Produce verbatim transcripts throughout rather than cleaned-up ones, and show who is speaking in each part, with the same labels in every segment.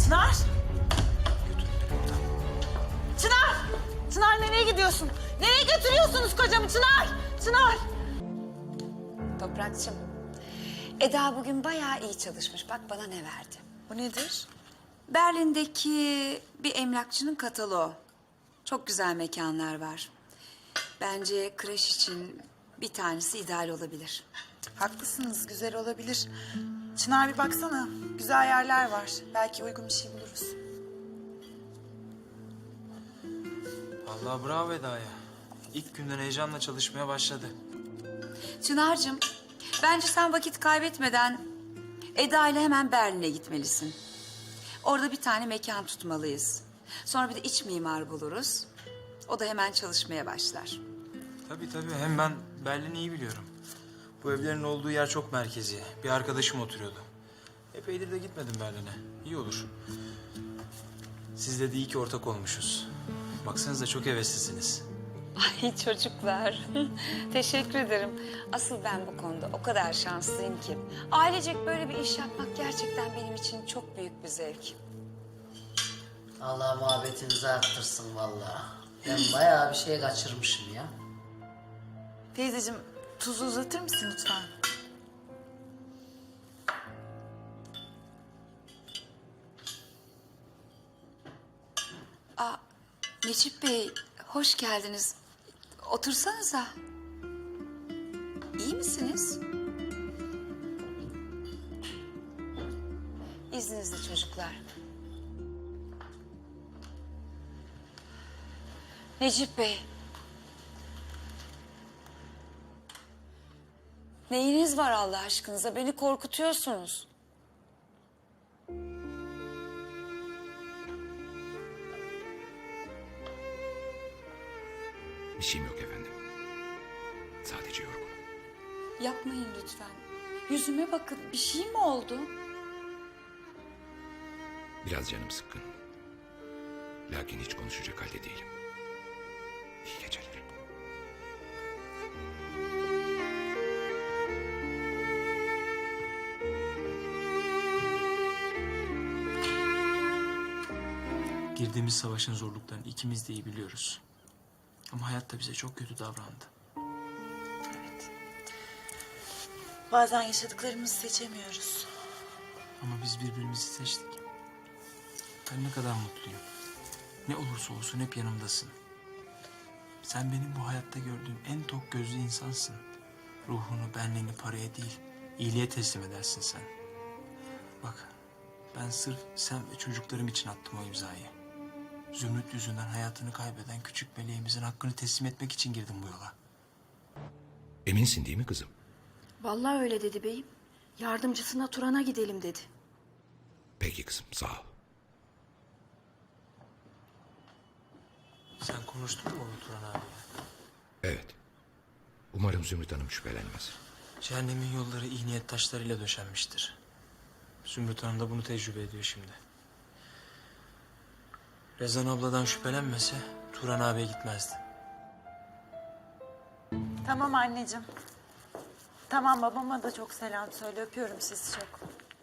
Speaker 1: Çınar! Çınar! Çınar nereye gidiyorsun? Nereye götürüyorsunuz kocamı Çınar? Çınar!
Speaker 2: Toprakçım, Eda bugün bayağı iyi çalışmış. Bak bana ne verdi.
Speaker 1: Bu nedir?
Speaker 2: Berlin'deki bir emlakçının kataloğu. Çok güzel mekanlar var. Bence kreş için bir tanesi ideal olabilir.
Speaker 1: Haklısınız, güzel olabilir. Çınar bir baksana, güzel yerler var. Belki uygun bir şey buluruz.
Speaker 3: Vallahi bravo Eda'ya. İlk günden heyecanla çalışmaya başladı.
Speaker 2: Çınar'cığım, bence sen vakit kaybetmeden Eda ile hemen Berlin'e gitmelisin. Orada bir tane mekan tutmalıyız. Sonra bir de iç mimar buluruz. O da hemen çalışmaya başlar.
Speaker 3: Tabii tabii. Hem ben Berlin'i iyi biliyorum. Bu evlerin olduğu yer çok merkezi. Bir arkadaşım oturuyordu. Epeydir de gitmedim Berlin'e. İyi olur. Sizle de iyi ki ortak olmuşuz. Baksanıza çok heveslisiniz.
Speaker 2: Ay çocuklar, teşekkür ederim. Asıl ben bu konuda o kadar şanslıyım ki. Ailecek böyle bir iş yapmak gerçekten benim için çok büyük bir zevk.
Speaker 4: Allah muhabbetinizi arttırsın vallahi. Ben bayağı bir şey kaçırmışım ya.
Speaker 1: Teyzeciğim, tuzu uzatır mısın lütfen?
Speaker 2: Aa, Necip Bey, hoş geldiniz. Otursanıza. İyi misiniz? İzninizle çocuklar. Necip Bey. Neyiniz var Allah aşkınıza? Beni korkutuyorsunuz.
Speaker 5: Bir şeyim yok efendim. Sadece yorgunum.
Speaker 2: Yapmayın lütfen. Yüzüme bakın. Bir şey mi oldu?
Speaker 5: Biraz canım sıkkın. Lakin hiç konuşacak halde değilim. İyi geceler.
Speaker 3: Girdiğimiz savaşın zorluklarını ikimiz de iyi biliyoruz. Ama hayat da bize çok kötü davrandı.
Speaker 1: Evet. Bazen yaşadıklarımızı seçemiyoruz.
Speaker 3: Ama biz birbirimizi seçtik. Ben ne kadar mutluyum. Ne olursa olsun hep yanımdasın. Sen benim bu hayatta gördüğüm en tok gözlü insansın. Ruhunu, benliğini paraya değil, iyiliğe teslim edersin sen. Bak, ben sırf sen ve çocuklarım için attım o imzayı. Zümrüt yüzünden hayatını kaybeden küçük meleğimizin hakkını teslim etmek için girdim bu yola.
Speaker 5: Eminsin değil mi kızım?
Speaker 6: Vallahi öyle dedi beyim. Yardımcısına Turan'a gidelim dedi.
Speaker 5: Peki kızım, sağ ol.
Speaker 3: Sen konuştun mu onu Turan abiyle?
Speaker 5: Evet. Umarım Zümrüt Hanım şüphelenmez.
Speaker 3: Cehennemin yolları iyi niyet taşlarıyla döşenmiştir. Zümrüt Hanım da bunu tecrübe ediyor şimdi. Rezan abladan şüphelenmese Turan abiye gitmezdi.
Speaker 1: Tamam anneciğim. Tamam, babama da çok selam söyle. Öpüyorum sizi çok.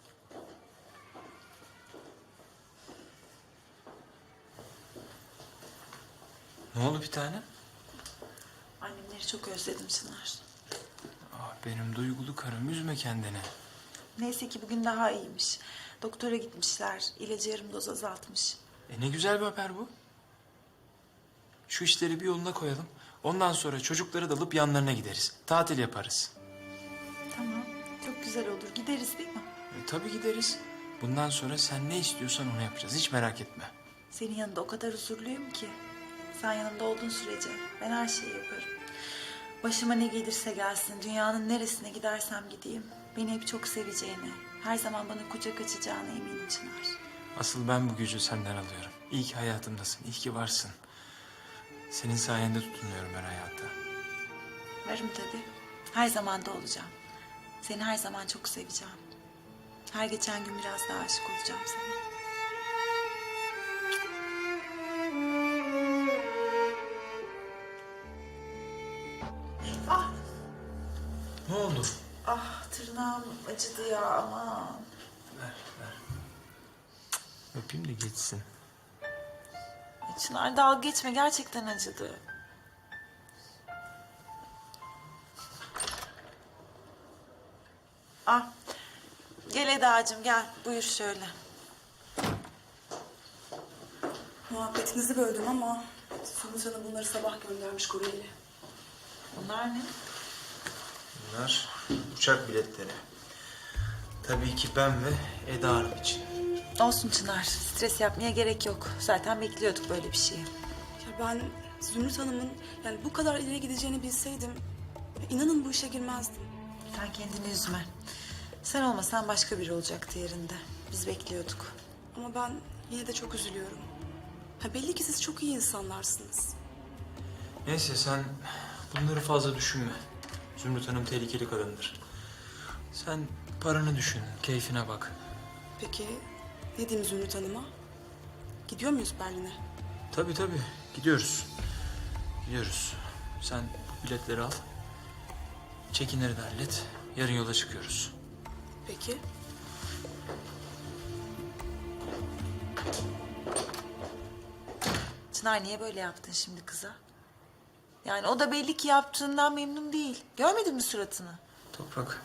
Speaker 3: Ne oldu bir tane?
Speaker 1: Annemleri çok özledim Çınar.
Speaker 3: Ah benim duygulu karım, üzme kendini.
Speaker 1: Neyse ki bugün daha iyiymiş. Doktora gitmişler. İlacı yarım doz azaltmış.
Speaker 3: E ne güzel bir haber bu. Şu işleri bir yoluna koyalım. Ondan sonra çocukları da alıp yanlarına gideriz. Tatil yaparız.
Speaker 1: Tamam, çok güzel olur. Gideriz değil mi?
Speaker 3: E, tabii gideriz. Bundan sonra sen ne istiyorsan onu yapacağız. Hiç merak etme.
Speaker 1: Senin yanında o kadar huzurluyum ki. Sen yanımda olduğun sürece ben her şeyi yaparım. Başıma ne gelirse gelsin, dünyanın neresine gidersem gideyim. Beni hep çok seveceğine, her zaman bana kucak açacağına eminim Çınar.
Speaker 3: Asıl ben bu gücü senden alıyorum. İyi ki hayatımdasın, iyi ki varsın. Senin sayende tutunuyorum ben hayata.
Speaker 1: Varım tabii. Her zaman da olacağım. Seni her zaman çok seveceğim. Her geçen gün biraz daha aşık olacağım sana. Ah,
Speaker 3: Ne oldu?
Speaker 1: ah tırnağım acıdı ya aman.
Speaker 3: Ver, ver. Öpeyim de geçsin.
Speaker 1: Çınar dalga geçme, gerçekten acıdı. Ah, gel Eda'cığım gel, buyur şöyle.
Speaker 6: Muhabbetinizi böldüm ama Sumut Hanım bunları sabah göndermiş kuryeyle.
Speaker 1: Bunlar ne?
Speaker 3: Bunlar uçak biletleri. Tabii ki ben ve Eda Hanım için.
Speaker 1: Olsun Çınar, stres yapmaya gerek yok. Zaten bekliyorduk böyle bir şeyi.
Speaker 6: Ya ben Zümrüt Hanım'ın yani bu kadar ileri gideceğini bilseydim inanın bu işe girmezdim.
Speaker 1: Sen kendini üzme. Sen olmasan başka biri olacaktı yerinde. Biz bekliyorduk.
Speaker 6: Ama ben yine de çok üzülüyorum. Ha, belli ki siz çok iyi insanlarsınız.
Speaker 3: Neyse sen bunları fazla düşünme. Zümrüt Hanım tehlikeli kadındır. Sen paranı düşün, keyfine bak.
Speaker 6: Peki ne diyeyim Zümrüt Hanım'a? Gidiyor muyuz Berlin'e?
Speaker 3: Tabii tabii, gidiyoruz. Gidiyoruz. Sen bu biletleri al. Çekinleri de hallet. Yarın yola çıkıyoruz.
Speaker 6: Peki.
Speaker 1: Çınar niye böyle yaptın şimdi kıza? Yani o da belli ki yaptığından memnun değil. Görmedin mi suratını?
Speaker 3: Toprak.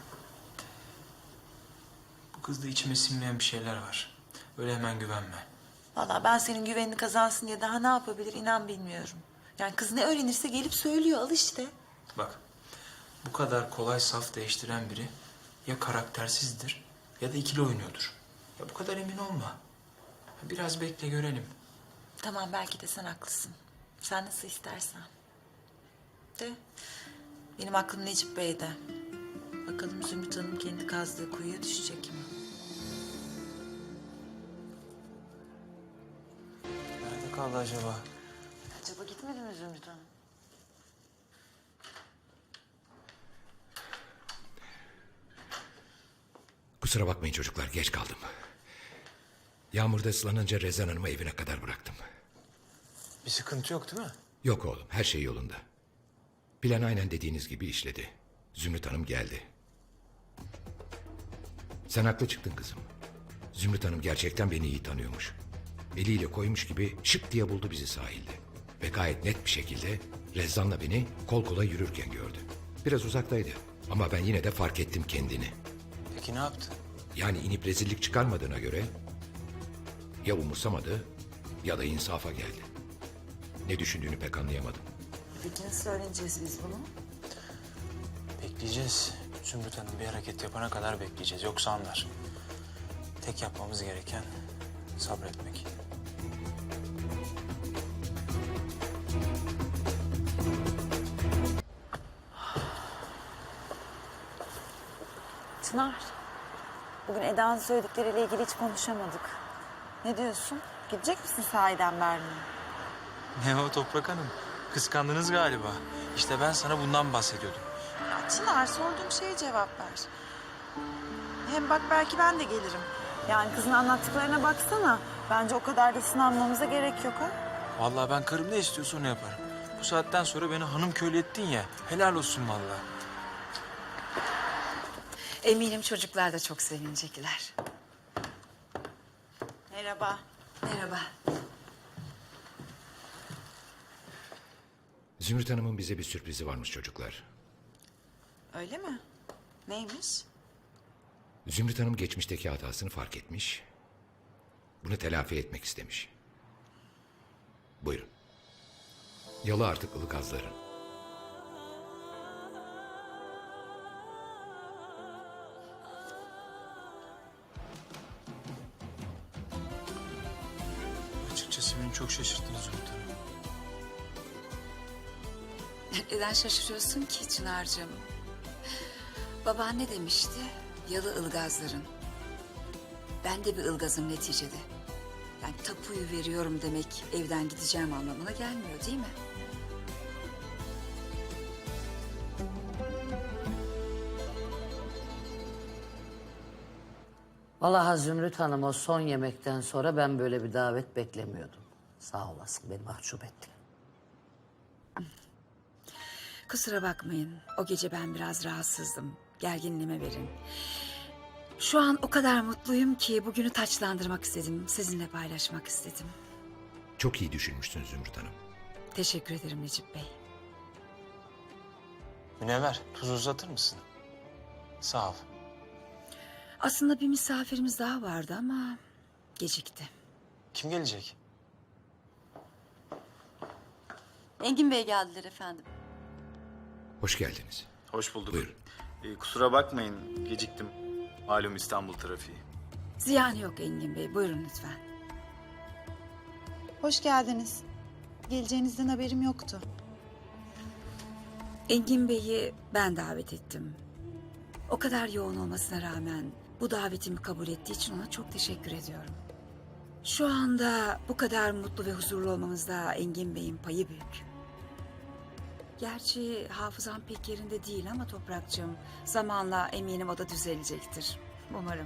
Speaker 3: Bu kızda içime sinmeyen bir şeyler var. Öyle hemen güvenme.
Speaker 1: Vallahi ben senin güvenini kazansın diye daha ne yapabilir inan bilmiyorum. Yani kız ne öğrenirse gelip söylüyor, al işte.
Speaker 3: Bak, bu kadar kolay saf değiştiren biri ya karaktersizdir ya da ikili oynuyordur. Ya bu kadar emin olma. Biraz bekle görelim.
Speaker 1: Tamam belki de sen haklısın. Sen nasıl istersen. De benim aklım Necip Bey'de. Bakalım Zümrüt Hanım kendi kazdığı kuyuya düşecek mi?
Speaker 3: Nerede kaldı acaba?
Speaker 1: Acaba gitmedi mi Zümrüt Hanım?
Speaker 5: Kusura bakmayın çocuklar, geç kaldım. Yağmurda ıslanınca Rezan Hanım'ı evine kadar bıraktım.
Speaker 3: Bir sıkıntı yok değil mi?
Speaker 5: Yok oğlum, her şey yolunda. Plan aynen dediğiniz gibi işledi. Zümrüt Hanım geldi. Sen haklı çıktın kızım. Zümrüt Hanım gerçekten beni iyi tanıyormuş. Eliyle koymuş gibi şık diye buldu bizi sahilde. Ve gayet net bir şekilde Rezan'la beni kol kola yürürken gördü. Biraz uzaktaydı ama ben yine de fark ettim kendini.
Speaker 3: Peki ne yaptı?
Speaker 5: Yani inip rezillik çıkarmadığına göre ya umursamadı ya da insafa geldi. Ne düşündüğünü pek anlayamadım.
Speaker 1: Peki nasıl öğreneceğiz biz bunu?
Speaker 3: Bekleyeceğiz. Zümrüt Hanım bir hareket yapana kadar bekleyeceğiz. Yoksa anlar. Tek yapmamız gereken sabretmek.
Speaker 1: Çınar, bugün Eda'nın söyledikleriyle ilgili hiç konuşamadık. Ne diyorsun? Gidecek misin sahiden Berlin'e?
Speaker 3: Ne o Toprak Hanım? Kıskandınız galiba. İşte ben sana bundan bahsediyordum.
Speaker 1: Ya Çınar, sorduğum şeye cevap ver. Hem bak belki ben de gelirim. Yani kızın anlattıklarına baksana. Bence o kadar da sınanmamıza gerek yok ha.
Speaker 3: Vallahi ben karım ne istiyorsa onu yaparım. Bu saatten sonra beni hanım köylü ettin ya. Helal olsun vallahi.
Speaker 2: Eminim çocuklar da çok sevinecekler.
Speaker 1: Merhaba.
Speaker 2: Merhaba.
Speaker 5: Zümrüt Hanım'ın bize bir sürprizi varmış çocuklar.
Speaker 1: Öyle mi? Neymiş?
Speaker 5: Zümrüt Hanım geçmişteki hatasını fark etmiş. Bunu telafi etmek istemiş. Buyurun. Yalı artık Ilgazların.
Speaker 3: Açıkçası beni çok şaşırttınız Zümrüt Hanım.
Speaker 2: Neden şaşırıyorsun ki Çınar'cığım? Baban ne demişti? Yalı ılgazların. Ben de bir ılgazım neticede. Yani tapuyu veriyorum demek evden gideceğim anlamına gelmiyor değil mi?
Speaker 4: Vallahi Zümrüt Hanım o son yemekten sonra ben böyle bir davet beklemiyordum. Sağ olasın, beni mahcup ettin.
Speaker 2: Kusura bakmayın. O gece ben biraz rahatsızdım. Gerginliğime verin. Şu an o kadar mutluyum ki bugünü taçlandırmak istedim. Sizinle paylaşmak istedim.
Speaker 5: Çok iyi düşünmüşsün Zümrüt Hanım.
Speaker 2: Teşekkür ederim Necip Bey.
Speaker 3: Münevver, tuz uzatır mısın? Sağ ol.
Speaker 2: Aslında bir misafirimiz daha vardı ama gecikti.
Speaker 3: Kim gelecek?
Speaker 7: Engin Bey geldiler efendim.
Speaker 5: Hoş geldiniz.
Speaker 8: Hoş bulduk.
Speaker 5: Buyurun.
Speaker 8: Ee, kusura bakmayın, geciktim. Malum İstanbul trafiği.
Speaker 2: Ziyan yok Engin Bey. Buyurun lütfen.
Speaker 1: Hoş geldiniz. Geleceğinizden haberim yoktu.
Speaker 2: Engin Bey'i ben davet ettim. O kadar yoğun olmasına rağmen bu davetimi kabul ettiği için ona çok teşekkür ediyorum. Şu anda bu kadar mutlu ve huzurlu olmamızda Engin Bey'in payı büyük. Gerçi hafızam pek yerinde değil ama Toprakçığım, zamanla eminim o da düzelecektir. Umarım.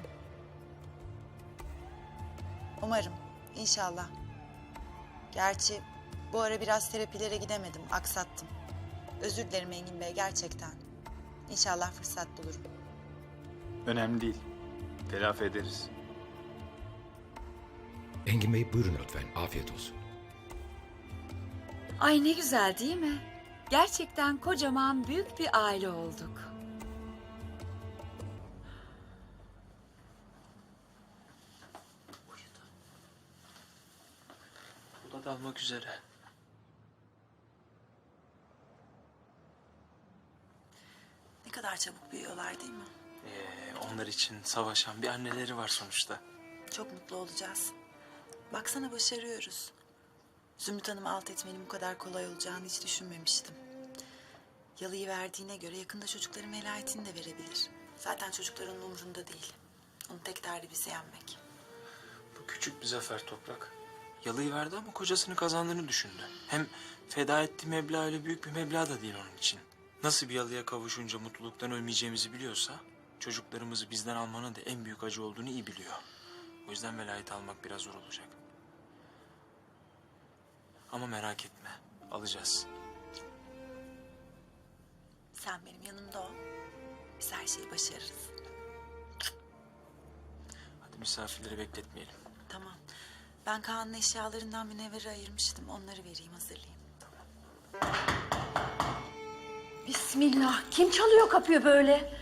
Speaker 1: Umarım. İnşallah. Gerçi bu ara biraz terapilere gidemedim. Aksattım. Özür dilerim Engin Bey gerçekten. İnşallah fırsat bulurum.
Speaker 8: Önemli değil. Telafi ederiz.
Speaker 5: Engin Bey buyurun lütfen. Afiyet olsun.
Speaker 2: Ay ne güzel değil mi? Gerçekten kocaman büyük bir aile olduk.
Speaker 3: Bu da dalmak üzere.
Speaker 1: Ne kadar çabuk büyüyorlar değil mi?
Speaker 3: Ee, onlar için savaşan bir anneleri var sonuçta.
Speaker 1: Çok mutlu olacağız. Baksana başarıyoruz. Zümrüt Hanım'ı alt etmenin bu kadar kolay olacağını hiç düşünmemiştim. Yalıyı verdiğine göre yakında çocukların velayetini de verebilir. Zaten çocukların umurunda değil. Onun tek derdi bizi yenmek.
Speaker 3: Bu küçük bir zafer Toprak. Yalıyı verdi ama kocasını kazandığını düşündü. Hem feda ettiği meblağ öyle büyük bir meblağ da değil onun için. Nasıl bir yalıya kavuşunca mutluluktan ölmeyeceğimizi biliyorsa... çocuklarımızı bizden almanın da en büyük acı olduğunu iyi biliyor. O yüzden velayet almak biraz zor olacak. Ama merak etme, alacağız.
Speaker 1: Sen benim yanımda ol. Biz her şeyi başarırız.
Speaker 3: Hadi misafirleri bekletmeyelim.
Speaker 1: Tamam. Ben Kaan'ın eşyalarından Münevver'i ayırmıştım. Onları vereyim, hazırlayayım.
Speaker 7: Bismillah. Kim çalıyor kapıyı böyle?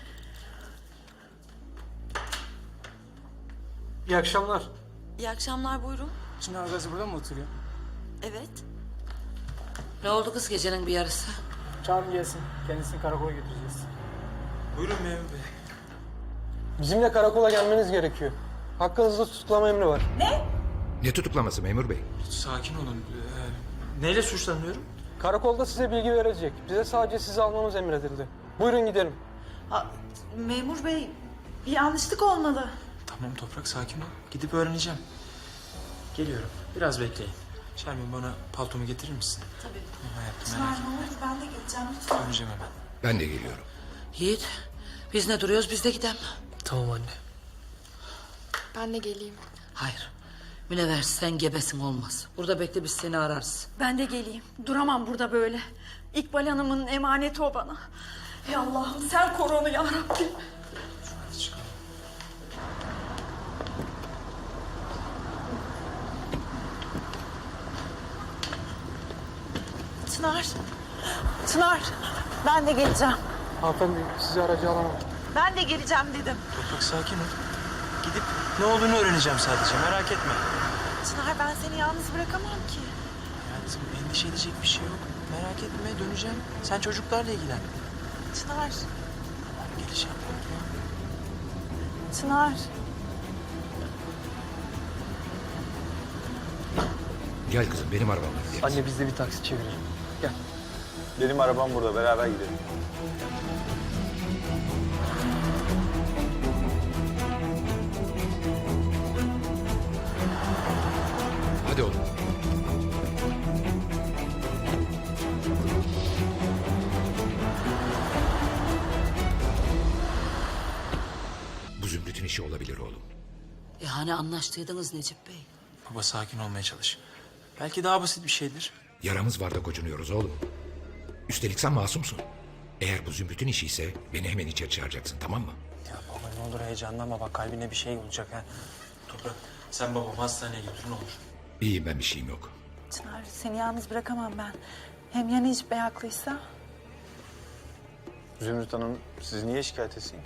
Speaker 9: İyi akşamlar.
Speaker 7: İyi akşamlar buyurun.
Speaker 9: Çınar Gazi burada mı oturuyor?
Speaker 7: Evet.
Speaker 4: Ne oldu kız gecenin bir yarısı?
Speaker 9: Çağırın gelsin. Kendisini karakola götüreceğiz.
Speaker 3: Buyurun memur bey.
Speaker 9: Bizimle karakola gelmeniz gerekiyor. Hakkınızda tutuklama emri var.
Speaker 5: Ne tutuklaması memur bey?
Speaker 3: Sakin olun. Ee, neyle suçlanıyorum?
Speaker 9: Karakolda size bilgi verecek. Bize sadece sizi almamız emredildi. Buyurun gidelim.
Speaker 1: Aa, memur bey, bir yanlışlık olmalı.
Speaker 3: Tamam Toprak, sakin ol. Gidip öğreneceğim. Geliyorum. Biraz bekleyin. Şermin, bana paltomu getirir misin?
Speaker 1: Tabii.
Speaker 3: Hayatım,
Speaker 1: Çınar
Speaker 3: merak
Speaker 1: ne
Speaker 3: etme.
Speaker 1: olur ben de geleceğim lütfen.
Speaker 3: Döneceğim hemen.
Speaker 5: Ben de geliyorum.
Speaker 4: Yiğit, biz ne duruyoruz, biz de gidelim.
Speaker 9: Tamam anne.
Speaker 7: Ben de geleyim.
Speaker 4: Hayır, Münevver sen gebesin olmaz. Burada bekle, biz seni ararız.
Speaker 7: Ben de geleyim. Duramam burada böyle. İkbal Hanım'ın emaneti o bana. Ey Allah'ım sen koru onu ya Rabbim.
Speaker 3: Hadi çıkalım.
Speaker 1: Çınar. Çınar. Ben de geleceğim.
Speaker 9: Hanımefendi sizi aracı alamam.
Speaker 1: Ben de geleceğim dedim.
Speaker 3: Toprak, sakin ol. Gidip ne olduğunu öğreneceğim sadece, merak etme.
Speaker 1: Çınar ben seni yalnız bırakamam ki.
Speaker 3: Hayatım, endişe edecek bir şey yok. Merak etme, döneceğim. Sen çocuklarla ilgilen.
Speaker 1: Çınar.
Speaker 3: Geleceğim.
Speaker 1: Çınar.
Speaker 5: Gel kızım benim arabamla gideriz.
Speaker 9: Anne biz de bir taksi çevirelim. Gel.
Speaker 8: Benim arabam burada, beraber gidelim.
Speaker 5: Hadi oğlum. Bu Zümrüt'ün işi olabilir oğlum.
Speaker 4: E hani anlaştıydınız Necip Bey?
Speaker 3: Baba, sakin olmaya çalış. Belki daha basit bir şeydir.
Speaker 5: Yaramız var da gocunuyoruz oğlum. Üstelik sen masumsun. Eğer bu Zümrüt'ün işi ise beni hemen içeri çağıracaksın, tamam mı?
Speaker 3: Ya baba, ne
Speaker 9: Ne olur heyecanlanma bak kalbine bir şey olacak ha.
Speaker 3: Toprak, sen babamı hastaneye götür ne olur.
Speaker 5: İyiyim ben bir şeyim yok.
Speaker 1: Çınar seni yalnız bırakamam ben. Hem ya Necip Bey haklıysa?
Speaker 8: Zümrüt Hanım sizi niye şikayet etsin ki?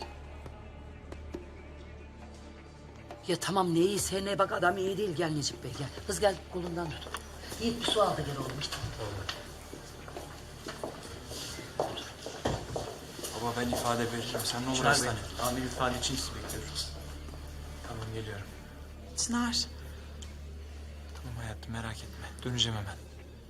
Speaker 4: Ya tamam ne iyiyse ne bak adam iyi değil. Gel Necip Bey gel. Kız gel kolundan tut. Yiğit bir su al da gel oğlum işte.
Speaker 3: Baba ben ifade veririm. Sen ne olur
Speaker 9: Çınar Bey,
Speaker 3: hastaneye.
Speaker 9: amir ifade için sizi bekliyoruz.
Speaker 3: Tamam geliyorum.
Speaker 1: Çınar.
Speaker 3: Tamam hayatım merak etme. Döneceğim hemen.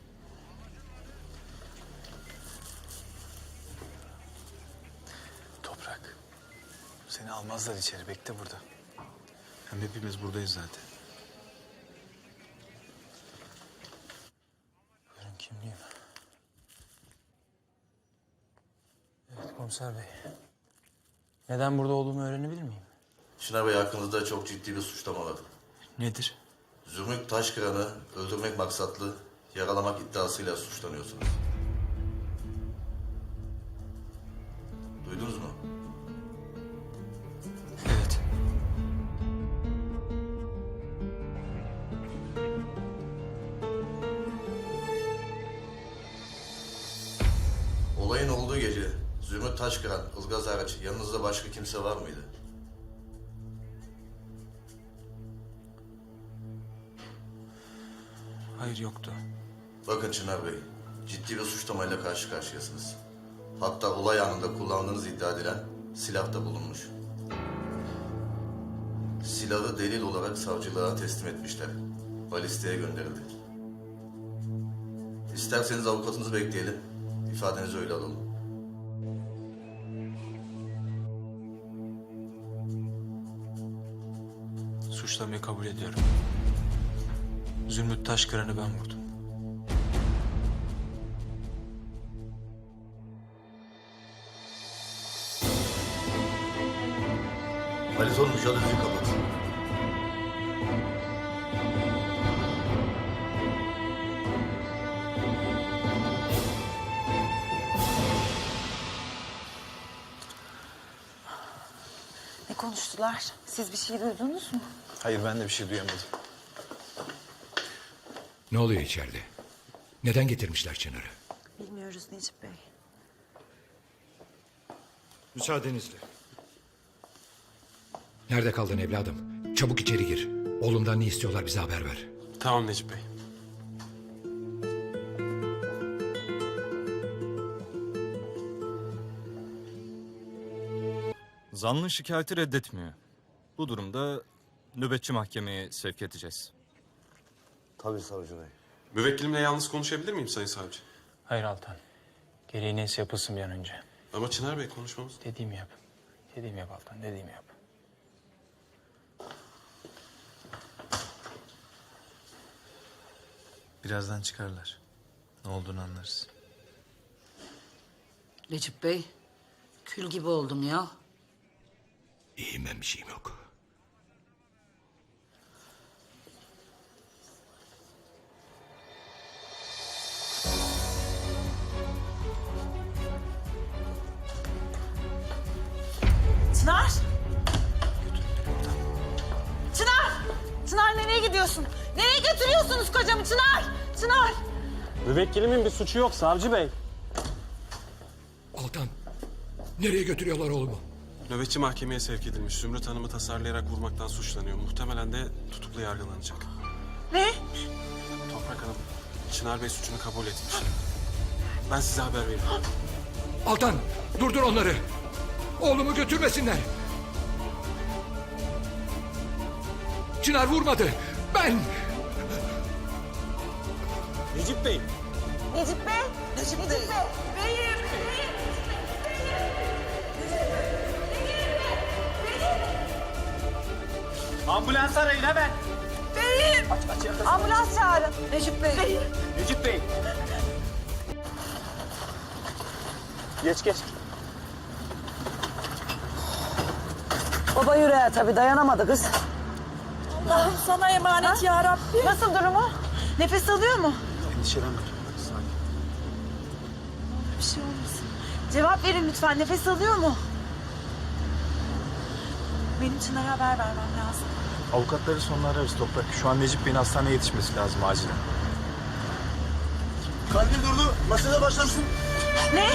Speaker 8: Toprak. Seni almazlar içeri. Bekle burada. Hem hepimiz buradayız zaten.
Speaker 9: Buyurun kimliğim. Evet komiser bey. Neden burada olduğumu öğrenebilir miyim?
Speaker 10: Çınar Bey hakkınızda çok ciddi bir suçlama var.
Speaker 3: Nedir?
Speaker 10: Zümrüt Taşkıran'ı öldürmek maksatlı yaralamak iddiasıyla suçlanıyorsunuz. Duydunuz mu?
Speaker 3: Evet.
Speaker 10: Olayın olduğu gece Zümrüt Taşkıran, Ilgaz hariç yanınızda başka kimse var mıydı?
Speaker 3: Hayır yoktu.
Speaker 10: Bakın Çınar Bey, ciddi bir suçlamayla karşı karşıyasınız. Hatta olay anında kullandığınız iddia edilen silah da bulunmuş. Silahı delil olarak savcılığa teslim etmişler. Balisteye gönderildi. İsterseniz avukatınızı bekleyelim. İfadenizi öyle alalım.
Speaker 3: Suçlamayı kabul ediyorum. Zümrüt Taşkıran'ı ben vurdum.
Speaker 10: Halit oğlum jalüzüyü kapat.
Speaker 1: Ne konuştular? Siz bir şey duydunuz mu?
Speaker 8: Hayır ben de bir şey duyamadım.
Speaker 5: Ne oluyor içeride? Neden getirmişler Çınar'ı?
Speaker 1: Bilmiyoruz Necip Bey.
Speaker 5: Müsaadenizle. Nerede kaldın evladım? Çabuk içeri gir. Oğlumdan ne istiyorlar bize haber ver.
Speaker 9: Tamam Necip Bey.
Speaker 11: Zanlı şikayeti reddetmiyor. Bu durumda nöbetçi mahkemeye sevk edeceğiz.
Speaker 10: Tabii savcı bey.
Speaker 12: Müvekkilimle yalnız konuşabilir miyim Sayın Savcı?
Speaker 9: Hayır Altan. Gereği neyse yapılsın bir an önce.
Speaker 12: Ama Çınar Bey konuşmamız...
Speaker 9: Dediğimi yap. Dediğimi yap Altan, dediğimi yap.
Speaker 8: Birazdan çıkarlar. Ne olduğunu anlarız.
Speaker 4: Necip Bey kül gibi oldum ya.
Speaker 5: İyiyim ben bir şeyim yok.
Speaker 1: Çınar! Çınar! Çınar nereye gidiyorsun? Nereye götürüyorsunuz kocamı Çınar? Çınar!
Speaker 9: Müvekkilimin bir suçu yok savcı bey.
Speaker 5: Altan, nereye götürüyorlar oğlumu?
Speaker 12: Nöbetçi mahkemeye sevk edilmiş. Zümrüt Hanım'ı tasarlayarak vurmaktan suçlanıyor. Muhtemelen de tutuklu yargılanacak.
Speaker 1: Ne?
Speaker 12: Toprak Hanım, Çınar Bey suçunu kabul etmiş. Ben size haber veririm.
Speaker 5: Altan, durdur onları. Oğlumu götürmesinler. Çınar vurmadı. Ben...
Speaker 9: Necip Bey.
Speaker 1: Necip Bey! Necip, Necip Bey! Beyim!
Speaker 9: Ambulans arayın hemen.
Speaker 1: Beyim! Ambulans çağırın. Necip Bey. Beyim.
Speaker 9: Necip Bey. Geç geç.
Speaker 4: Baba yüreğe tabii dayanamadı kız.
Speaker 1: Allah'ım sana emanet ya Rabbi. Nasıl durumu? Nefes alıyor mu?
Speaker 8: Endişelenme.
Speaker 1: Bir şey olmasın. Cevap verin lütfen. Nefes alıyor mu? benim Çınar'a haber vermem lazım.
Speaker 8: Avukatları sonra ararız Toprak. Şu an Necip Bey'in hastaneye yetişmesi lazım acilen.
Speaker 13: Kalbim durdu. Masada başlarsın.
Speaker 1: Ne?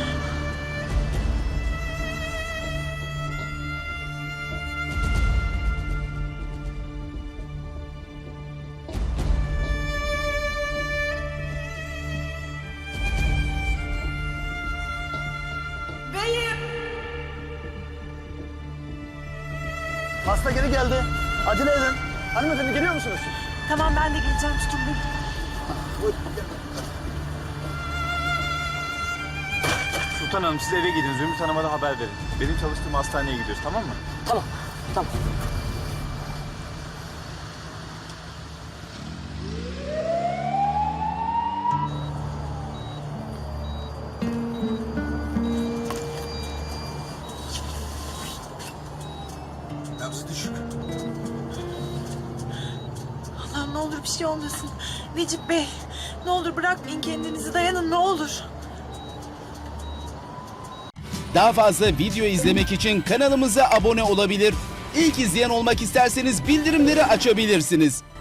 Speaker 1: Beyim!
Speaker 13: Hasta geri geldi. Acele edin. Hanımefendi geliyor musunuz?
Speaker 1: Tamam ben de geleceğim, tutun beni.
Speaker 8: Sultan Hanım siz eve gidin. Zümrüt Hanım'a da haber verin. Benim çalıştığım hastaneye gidiyoruz, tamam mı?
Speaker 13: Tamam. Tamam. Nabzı düşük.
Speaker 1: Allah'ım ne olur bir şey olmasın. Necip Bey, ne olur bırakmayın kendinizi, dayanın ne olur.
Speaker 14: Daha fazla video izlemek için kanalımıza abone olabilir. İlk izleyen olmak isterseniz bildirimleri açabilirsiniz.